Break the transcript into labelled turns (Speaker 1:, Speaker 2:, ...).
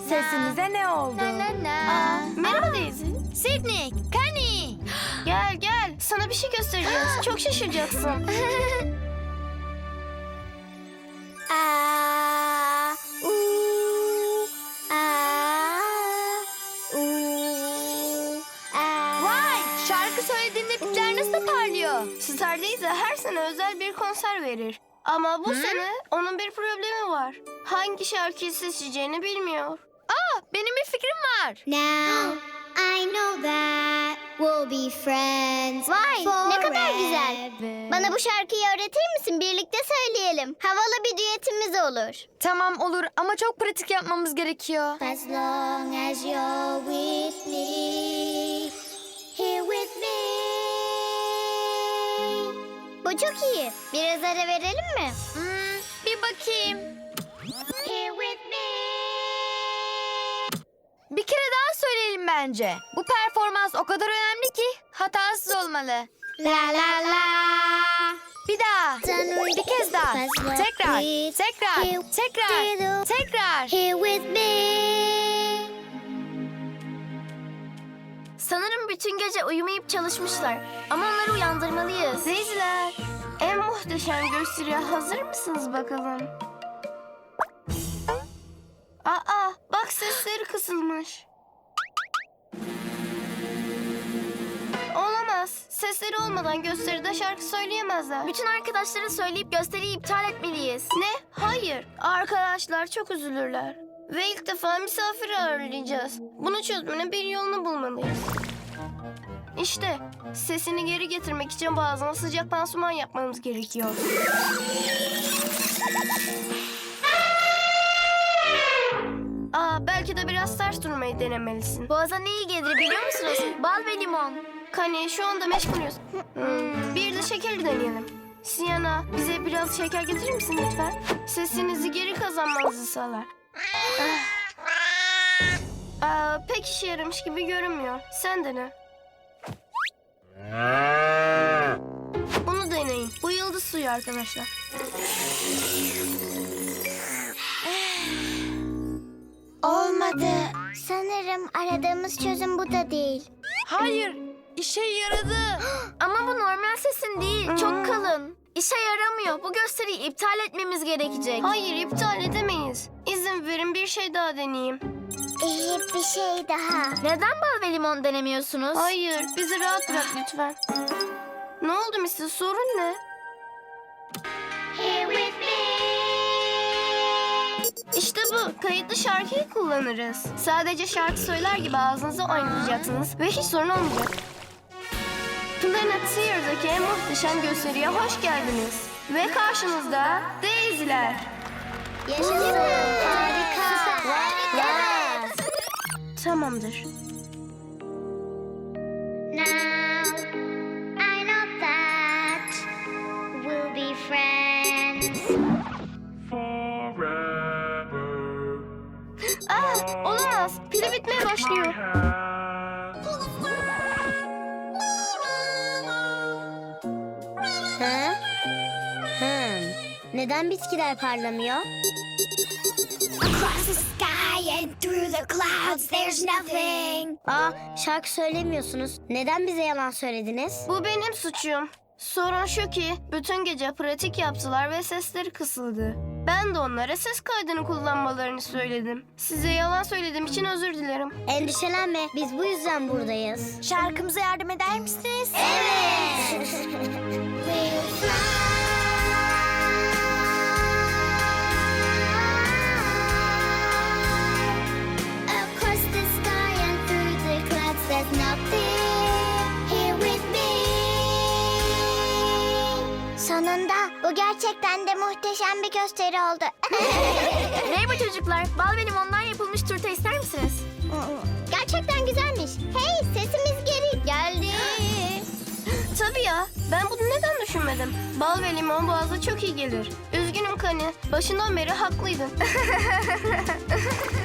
Speaker 1: Sesinize ne oldu?
Speaker 2: Merhaba Daisy.
Speaker 3: Sydney, Connie.
Speaker 2: Gel gel. Sana bir şey göstereceğiz. Çok şaşıracaksın.
Speaker 3: Vay, şarkı söylediğinde ipler nasıl parlıyor?
Speaker 2: Star Daisy her sene özel bir konser verir. Ama bu sene onun bir problemi var. Hangi şarkıyı seçeceğini bilmiyor.
Speaker 3: Benim bir fikrim var.
Speaker 4: Now I know that we'll be friends. Vay, ne kadar güzel. Bana bu şarkıyı öğretir misin? Birlikte söyleyelim. Havalı bir düetimiz olur.
Speaker 3: Tamam olur ama çok pratik yapmamız gerekiyor.
Speaker 4: As long as you're with me, here with me. Bu çok iyi. Biraz ara verelim mi?
Speaker 3: Bir bakayım.
Speaker 4: Here with me.
Speaker 3: Bir kere daha söyleyelim bence. Bu performans o kadar önemli ki hatasız olmalı.
Speaker 4: La la la.
Speaker 3: Bir daha. Bir kez daha. Tekrar. Tekrar.
Speaker 4: Here with me.
Speaker 2: Sanırım bütün gece uyumayıp çalışmışlar. Ama onları uyandırmalıyız. Daisy'ler, en muhteşem gösteriye hazır mısınız bakalım? Aa, bak sesleri kısılmış. Olamaz. Sesleri olmadan gösteride şarkı söyleyemezler. Bütün arkadaşlara söyleyip gösteriyi iptal etmeliyiz. Ne? Hayır. Arkadaşlar çok üzülürler. Ve ilk defa misafir ağırlayacağız. Bunu çözmenin bir yolunu bulmalıyız. İşte sesini geri getirmek için boğazına sıcak pansuman yapmamız gerekiyor. Belki de biraz ters durmayı denemelisin. Boğaza ne iyi gelir biliyor musunuz? Bal ve limon. Kani şu anda meşgulüz. Bir de şekeri deneyelim. Siyana, bize biraz şeker getirir misin lütfen? Sesinizi geri kazanmanızı sağlar. Pek işe yaramış gibi görünmüyor. Sen dene. Bunu deneyin. Bu yıldız suyu arkadaşlar.
Speaker 4: Olmadı. Sanırım aradığımız çözüm bu da değil.
Speaker 3: Hayır. İşe yaradı.
Speaker 2: Ama bu normal sesin değil. Çok kalın. İşe yaramıyor. Bu gösteriyi iptal etmemiz gerekecek. Hayır, iptal edemeyiz. İzin verin bir şey daha deneyeyim.
Speaker 4: İyi bir şey daha.
Speaker 2: Neden bal ve limon denemiyorsunuz? Hayır, bizi rahat bırak lütfen. Ne oldu Mrs. Sorun ne?
Speaker 4: Here with me.
Speaker 2: İşte bu. Kayıtlı şarkıyı kullanırız. Sadece şarkı söyler gibi ağzınızı oynatacaksınız ve hiç sorun olmayacak. Planeteer'daki en muhteşem gösteriye hoş geldiniz. Ve karşınızda Daisy'ler.
Speaker 4: Yaşasın. Harika. Evet.
Speaker 2: Tamamdır.
Speaker 4: Now I know that we'll be friends.
Speaker 2: Olamaz. Pili bitmeye başlıyor.
Speaker 4: Neden bitkiler parlamıyor? Across the sky and through the clouds there's nothing. Şarkı söylemiyorsunuz. Neden bize yalan söylediniz?
Speaker 2: Bu benim suçum. Sorun şu ki bütün gece pratik yaptılar ve sesleri kısıldı. Ben de onlara ses kaydını kullanmalarını söyledim. Size yalan söylediğim için özür dilerim.
Speaker 4: Endişelenme. Biz bu yüzden buradayız.
Speaker 3: Şarkımıza yardım eder misiniz?
Speaker 4: Evet. We'll fly. Across the sky and through the clouds there's nothing here with me. Sonunda bu gerçekten de muhteşem bir gösteri oldu.
Speaker 2: Merhaba çocuklar. Bal ve limondan yapılmış turta ister misiniz?
Speaker 4: Gerçekten güzelmiş. Hey, sesimiz geri geldi.
Speaker 2: Tabii ya. Ben bunu neden düşünmedim? Bal ve limon boğaza çok iyi gelir. Üzgünüm Kani. Başından beri haklıydın.